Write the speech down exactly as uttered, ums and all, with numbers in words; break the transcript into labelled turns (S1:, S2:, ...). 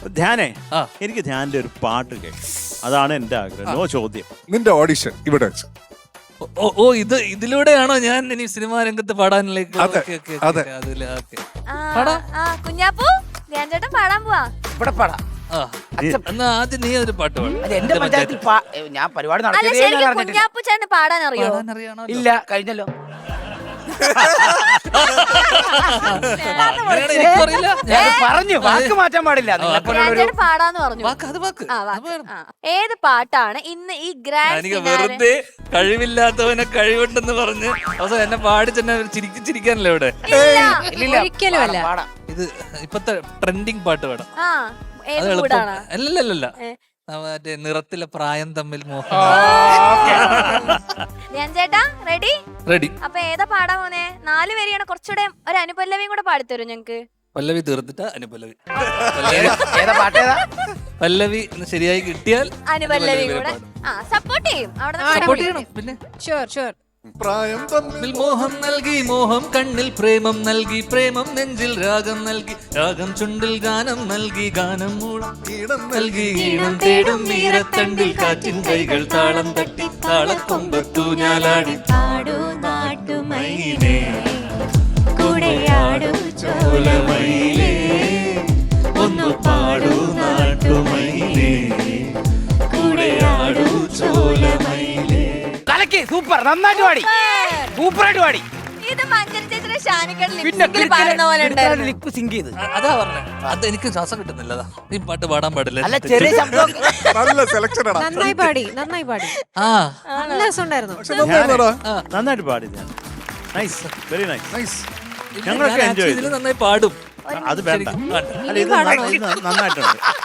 S1: ധ്യാനേ എനിക്ക് ധ്യാനിന്റെ ഒരു പാട്ട് കേൾക്കാം, അതാണ് എന്റെ ആഗ്രഹം. നോ ചോദ്യം.
S2: നിന്റെ ഓഡിഷൻ ഇവിടെ വെച്ച്.
S3: ഓ ഓ ഇത് ഇതിലൂടെയാണോ ഞാൻ ഇനി സിനിമാ രംഗത്ത് പാടാനിലേക്ക്?
S2: അതെ, അതെ.
S4: കുഞ്ഞാപ്പൂ ധ്യാൻ ചേട്ടൻ പാടാൻ പോവാ.
S5: ഇവിടെ പാടാം.
S3: എന്നാ ആദ്യം നീ ഒരു പാട്ട് പാടും.
S5: അത് എന്റെ പഞ്ചായത്തിൽ പാ- ഞാൻ പരിപാടി
S4: അല്ല
S5: നടത്തിയതേ ഞാൻ
S4: ശരിക്കും
S5: അറിഞ്ഞിട്ടില്ല.
S4: കുഞ്ഞാപ്പൂ ചേട്ടന് പാടാൻ അറിയോ?
S5: ഇല്ല, കഴിഞ്ഞല്ലോ. ഞാൻ പറഞ്ഞു വാക്ക് മാറ്റാൻ പാടില്ല.
S4: ധ്യാൻ ചേട്ടൻ പാടാന്ന് പറഞ്ഞു.
S3: വാക്ക് അത് വാക്ക്
S4: ആ, വാക്ക്. ആ. ഏത് പാട്ടാണ് ഇന്ന് ഈ ഗ്രാൻഡ്
S3: എനിക്ക് വെറുതെ കഴിവില്ലാത്തവനെ കഴിവുണ്ടെന്ന് പറഞ്ഞ് അവസാനം എന്നെ പാടി തന്നെ ചിരിക്കി ചിരിക്കാനല്ലേ ഇവിടെ.
S4: ഒരിക്കലും അല്ല.
S5: പാടാം.
S3: ഇത് ഇപ്പത്തെ ട്രെൻഡിങ് പാട്ട് പാടാം.
S4: ആ
S3: അത്
S4: ഏത്
S3: എളുപ്പം
S4: കൂടാണ്?
S3: അല്ലല്ലല്ല മറ്റേ നിറത്തിലെ പ്രായം തമ്മിൽ മോഹം.
S4: ധ്യാൻ ചേട്ടാ റെഡി?
S3: റെഡി.
S4: അപ്പൊ ഏതാ പാടാൻ പോന്നെ? നാല് വരിയാണ്, കുറച്ചുകൂടെ ഒരു അനുപല്ലവിയും കൂടെ പാടിത്തരും ഞങ്ങക്ക്.
S3: പല്ലവി തീർത്തിട്ട് അനുപല്ലവി.
S5: ഏതാ പാട്ടേതാ?
S3: പല്ലവി ശരിയായി കിട്ടിയാൽ
S4: അനുപല്ലവിയും കൂടെ ആ സപ്പോർട്ട് ചെയ്യും.
S3: സപ്പോർട്ട് ചെയ്യണം. പിന്നെ
S4: ഷുവർ ഷുവർ.
S2: പ്രായം തമ്മിൽ
S3: മോഹം നൽകി മോഹം കണ്ണിൽ പ്രേമം നൽകി പ്രേമം നെഞ്ചിൽ രാഗം നൽകി രാഗം ചുണ്ടിൽ ഗാനം നൽകി ഗാനം മൂളം
S2: ഈണം
S3: നൽകി ഈണം തേടും മീരത്തണ്ടിൽ കാറ്റിൻ കൈകൾ താളം തട്ടി താളക്കൊമ്പത്തു ഞാലാടി
S4: പാടൂ നാട്ടുമയിലേ കൂടെയാടൂ
S3: ചോലമയിലേ ഒന്ന് പാടൂ നാട്ടുമയിലേ കൂടെയാടൂ ചോലമയിലേ.
S5: കലക്കി സൂപ്പർ, നന്നായിട്ട് പാടി, സൂപ്പറായിട്ട് പാടി.
S4: ഇത് മഞ്ചൽ ചേച്ചിയുടെ ഷാനിക്കട
S5: പിന്നെ
S4: ലിപ്സിംഗിൽ പാടുന്ന പോലെ ഉണ്ടായിരുന്നു.
S5: ലിപ്പ് സിങ്ക് ചെയ്ത്.
S3: അതാ പറഞ്ഞേ, അത് എനിക്ക് ശ്വാസം കിട്ടുന്നില്ല. അതാ ഈ പാട്ട് പാടാൻ പാടില്ല.
S5: അല്ല ചെറിയ ശബ്ദം.
S2: നല്ല സെലക്ഷൻ ആണ്.
S6: നന്നായി പാടി നന്നായി പാടി
S3: ആ
S6: നല്ല രസമുണ്ടായിരുന്നു.
S2: പക്ഷെ നന്നായിരുന്നോടാ.
S1: നന്നായിട്ട് പാടി Dhyan. Nice, very nice.
S2: Nice.
S1: ഞങ്ങളൊക്കെ
S3: ഞാൻ
S1: എൻജോയ്
S3: ഇതില് നന്നായി പാടും.
S1: അത് വേണ്ട.
S3: ശരിക്കും വേണ്ട.
S1: അല്ല ഇത് ന- ഇത് നന്നായിട്ടുണ്ട്.